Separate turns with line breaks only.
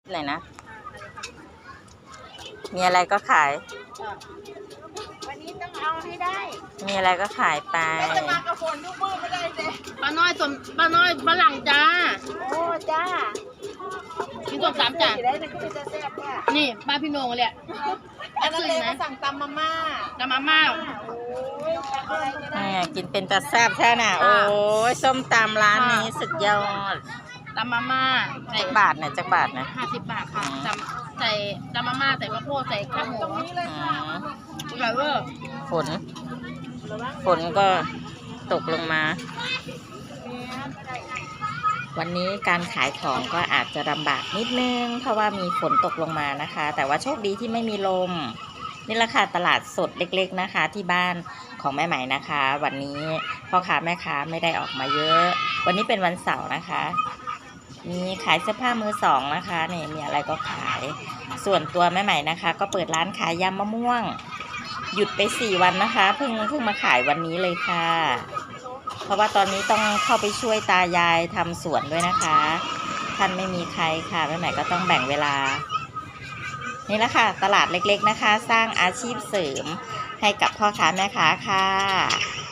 ไหนนะมีอะไรก็ขาย
วันนี้ต้องเอาให้ได้
มีอะไรก็ขายไป
จะมากระฝนทุกมือไม่ได้เลยป้าน้อยฝรั่งจ้าโอ้จ้าพี่ต้มสามจ้านี่ป้าพี่โหน่งเลยอันนั้นเลยมาสั่งตำมาม่า
กินเป็นตาแซ่บแท้น่ะโอ้ยส้มตำร้านนี้สุดยอด
ตำมาม่า
จักบาทเนี่ย
50 บาทค่ะใส่ตำมาม่าใส่ข้าวโพดใส่ข้าวหมูอร่อยเวอร์
ฝนก็ตกลงมาวันนี้การขายของก็อาจจะลำบากนิดนึงเพราะว่ามีฝนตกลงมานะคะแต่ว่าโชคดีที่ไม่มีลมนี่แหละค่ะตลาดสดเล็กๆนะคะที่บ้านของแม่ใหม่นะคะวันนี้พ่อค้าแม่ค้าไม่ได้ออกมาเยอะวันนี้เป็นวันเสาร์นะคะมีขายเสื้อผ้ามือสองนะคะนี่มีอะไรก็ขายส่วนตัวแม่ใหม่นะคะก็เปิดร้านขายยำมะม่วงหยุดไป4 วันนะคะเพิ่งมาขายวันนี้เลยค่ะเพราะว่าตอนนี้ต้องเข้าไปช่วยตายายทำสวนด้วยนะคะท่านไม่มีใครค่ะแม่ใหม่ก็ต้องแบ่งเวลานี่แหละค่ะตลาดเล็กๆนะคะสร้างอาชีพเสริมให้กับพ่อค้าแม่ค้าค่ะ